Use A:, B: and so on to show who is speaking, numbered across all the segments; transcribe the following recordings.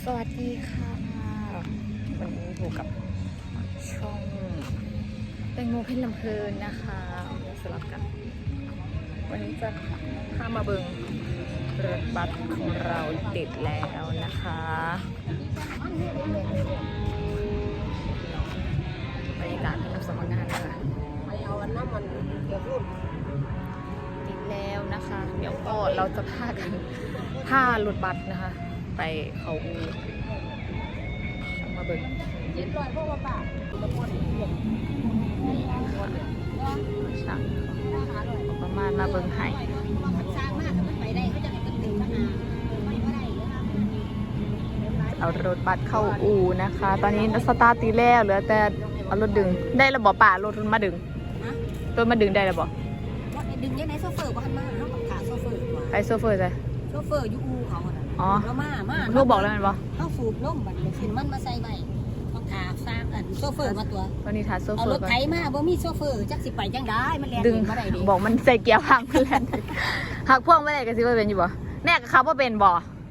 A: สวัสดีค่ะวันนี้อยู่กับช่องแตงโมเพ่นลำเพลินนะคะสลับกันวันนี้จะพามาเบิงรถบัสของเราติดแล้วนะคะบรรยากาศที่เราสมัครงานนะคะ
B: เอาวันน้ำมันเดี๋ยวรุ่น
A: ติดแล้วนะคะเดี๋ยวก็เราจะพากันพารถบัสนะคะไปเขาอูมาเบิง
B: 700พวกว่าป่าละคน
A: ช่างประมาณมาเบิงไห้
B: สร้างมากมันไปได้เขาจะเป็นตึกทหารไม่ได้
A: เอารถบัสเข้าอูนะคะ ตอนนี้สตาร์ทตีแล้วเหลือแต่เอารถดึงได้ระบบป่ารถมาดึงรถมาดึงได้ระบบ
B: ดึงยังไงโซเฟอร์บ้านมาเขากับขาโซเฟอร์กว่า
A: ใครโซเฟอร์ใช่
B: โซเฟอร์ยูอูเขา
A: อ๋อ
B: แล้วมา
A: ลูกบอกแล้วมันบ่
B: เขาสูบล่มบัดสินมันมาใส่ใบเขาขาสร้างโซเฟอร์มาตัว
A: ตอนนี้ถ่ายโซเฟอร์
B: เอารถไถมาบ่มีโซเฟอร์จักสิไปจังได้มันแล่น
A: ดึง
B: มาได้ดิ
A: บอกมันใส่เกียร์พังมันแล่นหักพ่วงไม่ได้ก็สิว่าเป็นอยู่บ่แม่กับเขาว่าเป็นบ่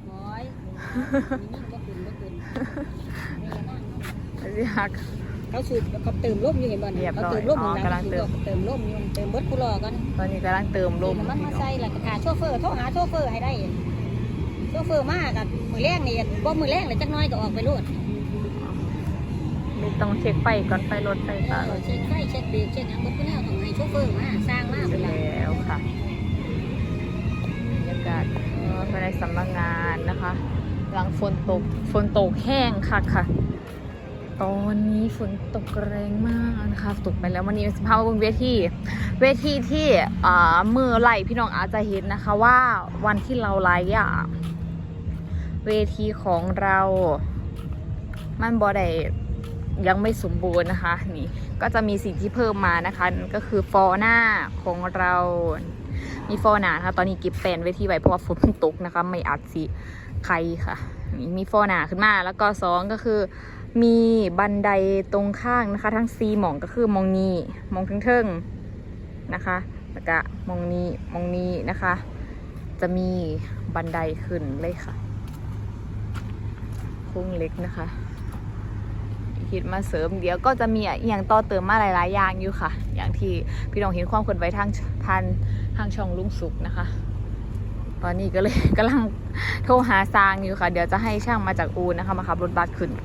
A: สิหัก
B: เขาสูบเขาเติมลมอยู่เห็นบ่เนี่ยเขาเติมลมอยู่นะเติมลมอยู่เติมเบิดกูรอกัน
A: ตอนนี้กำลังเติมลม
B: มันมาใส่แล้วก็ขาโชเฟอร์โทรหาโชเฟอร์ให้ได้โชเฟอร์มากกับมือแรงนี่บ่มือแรงเลยจักน้อยก็ออกไปรูด
A: ไม่ต้องเช็คไฟก่อนไฟรถไฟฟ้า
B: เช็คไฟเช็คเบรกเช็คอย่างเบิดกูแนวต้องให้โชเฟอร์มาสร้างมากไป
A: แล้วค่ะบรรยากาศภายในสำนักงานนะคะหลังฝนตกแห้งค่ะตอนนี้ฝนตกแรงมากนะคะตกไปแล้ววันนี้สภาพบนเวทีที่มือไหลพี่น้องอาจจะเห็นนะคะว่าวันที่เราไลฟ์เวทีของเรามันบ่ได้ยังไม่สมบูรณ์นะคะนี่ก็จะมีสิ่งที่เพิ่มมานะคะก็คือฟอร์หน้าของเรามีฟอร์หน้าค่ะตอนนี้เก็บแปลนเวทีไว้เพราะว่าฝนตกนะคะไม่อัดสิใครค่ะมีฟอร์หน้าขึ้นมาแล้วก็2ก็คือมีบันไดตรงข้างนะคะทั้ง4หม่องก็คือมองนี้มองเทิงๆนะคะแล้วก็มองนี้นะคะจะมีบันไดขึ้นเลยค่ะโค้งเล็กนะคะคิดมาเสริมเดี๋ยวก็จะมีอย่างต่อเติมมาหลายๆอย่างอยู่ค่ะอย่างที่พี่น้องเห็นความเคลื่อนไหวทางช่องลุงสุกนะคะตอนนี้ก็เลยกำลังโทรหาซางอยู่ค่ะเดี๋ยวจะให้ช่างมาจากอูนนะคะมาขับรถบัสขึ้น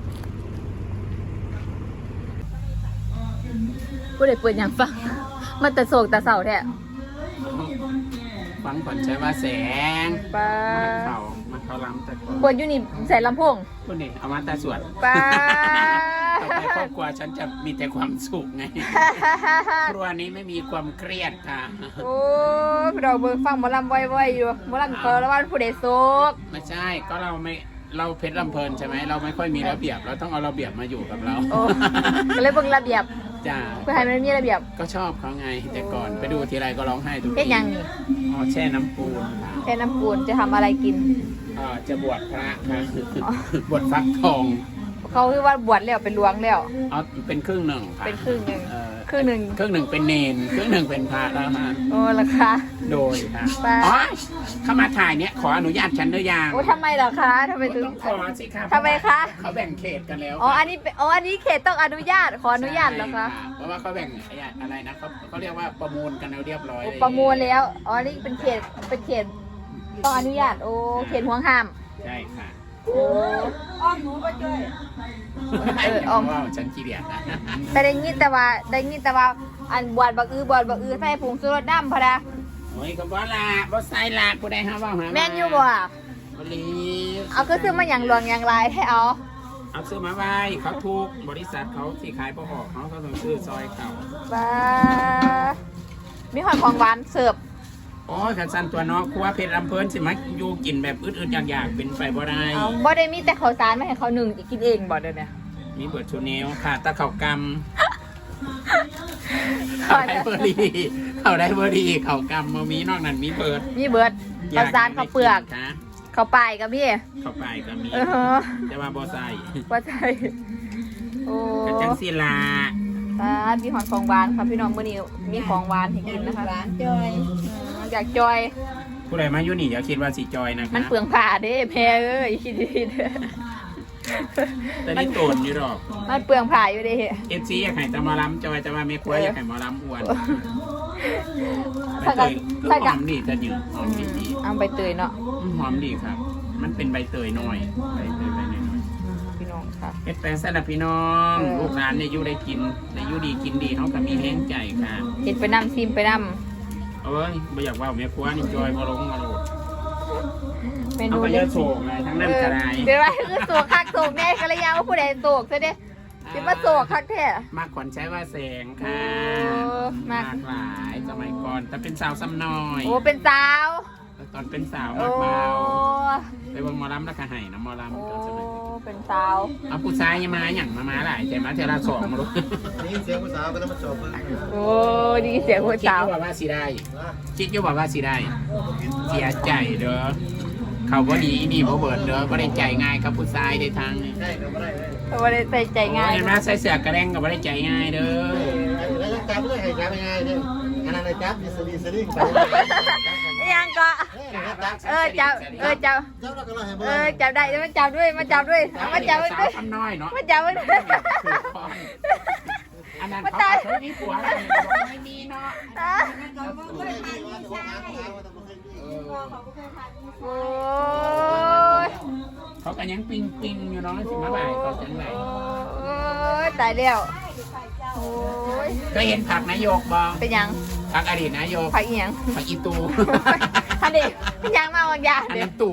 A: ผู้ใดเปิดอย่างฟังมันแต่โศกแต่เสาแท้
C: ฟังผ่อนใช้ว่าแสง
A: ป้า
C: มันเขาล้ำแต่
A: เปิดอยู่นี่ใส่ลำโพง
C: คนนี้เอามาแต่สวด
A: ป้า
C: ต่อไปครอบครัวฉันจะมีแต่ความสุขไงครัวนี้ไม่มีความเครียดค่ะ
A: โอ้เราเบิ่งฟังหมอลำบ่อยๆอยู่หมอลำเปิดแล้วว่าผู้ใดโศก
C: ไม่ใช่ก็เราเพชรลำเพลินใช่ไหมเราไม่ค่อยมีระเบียบเราต้องเอาระเบียบมาอยู่กับเรา
A: ก็เลยเบิ่งระเบียบ
C: จ้า
A: เพื่อให้มันมีระเบียบ
C: ก็ชอบเขาไงแต่ก่อนไปดูทีไรก็ร้องไห้ทุกที
A: เป็นยังนี่
C: อ๋อแช่น้ำปูน
A: แช่น้ำปูนจะทำอะไรกิน
C: จะบวชพระค่ะบวชฟักทอง
A: เขาคือว่าบวชแล้วเป็นหลวงแล้ว
C: อ๋อเป็นครึ่งหนึ่ง
A: เป็นครึ่งหนึ่งครึ่งหนึ่ง
C: เป็นเนนครึ่งหนึ่งเป็นพระแล้วฮะ
A: โอ้ราคา
C: โดยค่ะอ๋อเข้ามาถ่ายเนี้ยขออนุญาตฉันหรือยัง
A: โอ้ทำไมเหรอคะทำไมถึง
C: ขอสิครับ
A: ทำไมคะ
C: เขาแบ่งเขตกันแล้ว
A: อ๋ออันนี้เขตต้องอนุญาตขออนุญาตเหรอคะ
C: เพราะว่าเขาแบ่งอะไรนะเขาเรียกว่าประมูลกันแล้วเรียบร้อย
A: ประมูลแล้วอ๋อนี่เป็นเขตต้องอนุญาตโอ้เขตห่วงห้าม
C: ใช่ค่ะ
A: โอ้
B: อ้อมหนูไปเลย
C: อ้อมว่าฉันขี้เดียดนะ
A: แต่ได้ยินแต่ว่าอันบวชบักอือใส่ผงชูรสน้ำพอดะ
C: โอ้ยก็บ่ละบ่ใส่ละผู้ใดหาว่าหา
A: แม่นอยู่บ่
C: บริ
A: เอาก็ซื้อมาอย่างหลวงอย่างไรให้เอา
C: ซื้อมาไว้เขาถูกบริษัทเขาที่ขายประกอบเขาต้องซื้อซอยเขา
A: บ้ามีหอยของหวานเสิร์ฟ
C: โอ้ยขันสันตัวน้องครัวเพชรลำเพลินสิมาอยู่กินแบบอึดๆอยากเป็นไปบ่ได้
A: บ่ได้มีแต่ข้าวสารไม่ให้เขาหนึ่งกินเองบ่เดี๋ยวนี้
C: มีเบิร์ดชูเนลค่ะตะเข่ากำเขาได้เบอร์ดีเขากำมามีนอกนั้นมีเบิร์ด
A: ข้าวสารข้าวเปลือกข้าวปลายกับพี่
C: ข้าวปลายกับมีจะมาบ่ใส่
A: โอ้
C: กระจังศิลา
A: มีหอยของหวานครับพี่น้องมื้อนี้มีของหวานให้กินนะคะ
B: หวานจอย
A: อยากจอย
C: ผู้ใดมาอยู่นี่อย่าคิดว่าสิจอยนะคะ
A: มันเปลืองผ้าเด้แม่เอ้ยคิดดีๆเด้อ
C: แต่นี่โตนอยู่หรอก
A: มันเปลืองผ้าอยู่เด้
C: FC อยากให้ตะหมอลำจอยแต่ว่าไม่ครัวอยากให้หมอลำอ้วนใบ
A: ถ้า
C: เต
A: กับ
C: ย
A: ถ้า
C: ห
A: กั
C: อบ มดีจะยืนหอมดี
A: เอาใบเตยเนาะ
C: หอมดีครับ มันเป็นใบเตยน้อยใบเตยใบน้อย
A: พี่น้องค่ะ
C: เฮ็ดแปลงสลับพี่น้อง
A: เออ
C: ลูกหลานเนี่ยอยู่ได้กินได้อยู่ดีกินดีเขาก็มีแห้งใจค่ะ
A: เห็ดไปนำซิมไปน
C: เอ้ยไม่อยากว่าแม่ครัวนี่จอยมาลงมาโหลด
A: ำเม
C: เอา
A: นู
C: ไปเย
A: เด็
C: อะ
A: ด
C: โศกเลยทั้งนั้นกระไร
A: เดี๋ยวว่าคือโศกคักโศกแน่กันเลยยาวว่าผู้ใดโศกซะเด้สิมาโศกคักแท้
C: มากขวัญใช้ว่าแสงค่ะ
A: โอ้มาม
C: าก กหลายสมัยก่อนแต่เป็นสาวซ้ำน้อย
A: โอ้เป็นสาว
C: แต่ตอนเป็นสาว
A: โอ้
C: มากเบาไปเบิ่งหมอลำแล้วก็ให้นะหมอลำ
A: โอ้
C: ก็สมัย
A: เป็นสาว
C: เอาผู้ชายยังมาอย่างมาหลายใจมาเทอละสองมาลูก
D: นี่เสียงผู้สาวก็ต้องมาจบเลย
A: โอ้ดีเสียงผู้
C: คิด
A: สาว
C: อยู่ว่าสิได้คิดอยู่ว่าสิได้เสียใจเด้อเขาบ่ดีนี่บ่เบิดเด้อบ่ได้ใจง่ายกับผู้ชายได้ทางนี่
D: ใช่ก็ไม่ได้เลย
A: ไม่ได้ใส่ใจง่าย
C: เห็นไหมใส่เสื้อกระแดงก็บ่ได้ใจง่ายเด้อ
D: แล้วจะจับเลยให้จับยังไงเนี่ยอันนั้นจับดิสลีสลิงไป
A: ยังก็จับจับ
D: จับแล้วก็เราให้เบอ
A: จับได้มาจับด้วยมาจับด้วยมาจับด้วย
C: สาวคำน้อยเนาะ
A: มาจับด้วย
C: อันนั้นเขาเคยมีผัวไม่มีเนาะ
A: โอ้ย
C: เขาก็ยังปิงอยู่เนาะสิมาบ่ายก็จังไร
A: โอ้ยตายแล้วโอ้ย
C: ก็เห็นผักนายกบ่
A: เป็นยัง
C: ผักอดีตนายก
A: ผักอีหยัง
C: ผักอีตู
A: อันนี้เป็นยังมาบางอย่าง
C: อัน
A: เดี๋ย
C: นั้
A: วน
C: ตู่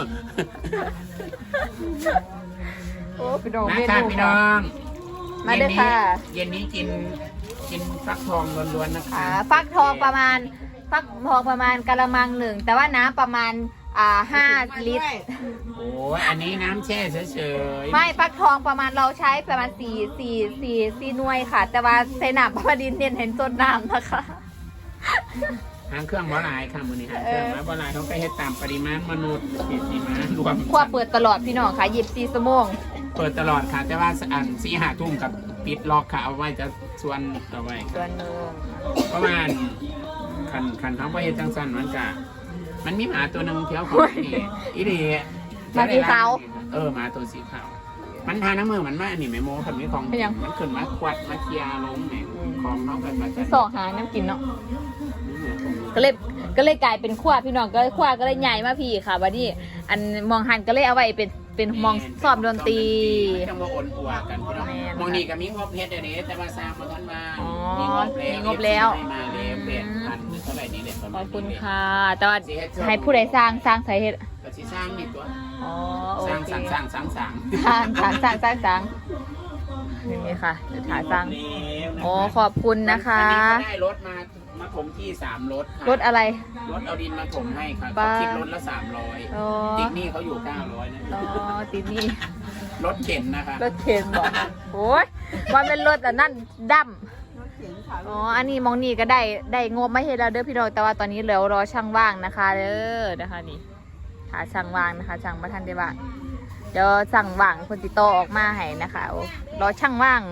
A: โอ้พี่น้อง
C: มา
A: เม
C: ค่ะ
A: นู
C: พี่น้อง
A: มาเด้อค่ะ
C: เย็นนี้กินฟักทองล้วนๆนะคะ
A: ฟักทองประมาณกะละมังหนึ่งแต่ว่าน้ำประมาณ5 ลิตร
C: โอ้ยอันนี้น้ำแช่เฉยๆ
A: ไม่ฟักทองประมาณเราใช้ประมาณ4หน่วยค่ะ แต่ว่าใส่น้ำประมาณดินเน้นเห็นต้นน้ำนะคะ
C: หางเครื่องบ่หลายค่ะมื้อนี้หางเครื่องมาบ่หลายเขาก็เฮ็ดตามปริมาณมนุษย์ปริมาณรวม
A: ครัวเปิดตลอดพี่น้องค่ะ24 ชั่วโมง
C: เปิดตลอดค่ะ แต่ว่าอัน4-5 ทุ่มกับปิดล็อกค่ะเอาไว้จะส่วนเอาไว้
A: ส่วนหนึ่ง
C: ประมาณคันท้องไปเฮ็ดจังสันมันมีหมาตัวหนึ่งเที่ยวของนี่อีเดีย
A: หมาสีขาว
C: หมาตัวสีขาวมันทาน้ำมือมันมาอันนี้ไม่โม้คนนี้ของ
A: เป็นยัง
C: มันขึ้นมาควัดมาเคลียร์ลงแหมของน้องกันมา
A: สองหาน้ำกินเนาะก็เลยกลายเป็นขั้วพี่น้องก็ขั้วก็เลยใหญ่มาพี่ค่ะบัดนี้อันมองหันก็เลยเอาไว้เป็นมองสอบดนตรี
C: จังว่าอ่อนอัวกันพี่น้อง
A: แม่น
C: มองนี่ก็มีงบเฮ็ดเดี๋ยวนี้แต่ว่าสร้างมาทันมา
A: อ๋อ
C: มีงบ
A: มีงบแล้ว
C: ให้มาแล้ว8,000เท่าไหร่นี่แหละประ
A: ข
C: มา
A: อ
C: ณ
A: บคุณ
C: นี้
A: ค่ะ แต่ว่าให้ผู้ใดสร้างสาเหตุ
C: ก็สิสร้างนี่ตัว
A: อ๋อโอ
C: สร้าง
A: เค
C: สร้าง
A: สร้างนี่ค่ะเดี๋ยวถ่ายสร้างอ๋อขอบคุณนะคะ
C: อันนี้ก็ได้รถมาถมที่3รถค่ะ
A: รถอะไร
C: รถเอาดินมาถมให้ค่ะ
A: บ้า
C: เขาคิดรถละ
A: อ๋อ
C: 300ติ๊กนี่เขาอยู่900นะ
A: อ๋อติดนี่
C: รถเข็นนะคะ
A: รถเข็นบอกโอ้ยมันเป็นรถอันนั่นดำอ๋ออันนี้มองนี่ก็ได้งบไม่เห็นแล้วเด้อพี่น้องแต่ว่าตอนนี้เหลือรอช่างว่างนะคะเด้อนะคะนี่หาช่างว่างนะคะช่างประทันได้บ้างเดี๋ยวสั่งว่างคนติดต่อออกมาให้นะคะโอ้รอช่างว่าง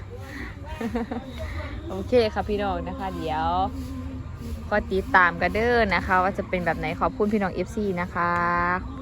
A: โอเคค่ะพี่น้องนะคะ เดี๋ยวก็ติดตามกันเด้อนะคะ ว่าจะเป็นแบบไหนขอบคุณพี่น้อง FC นะคะขอบคุณ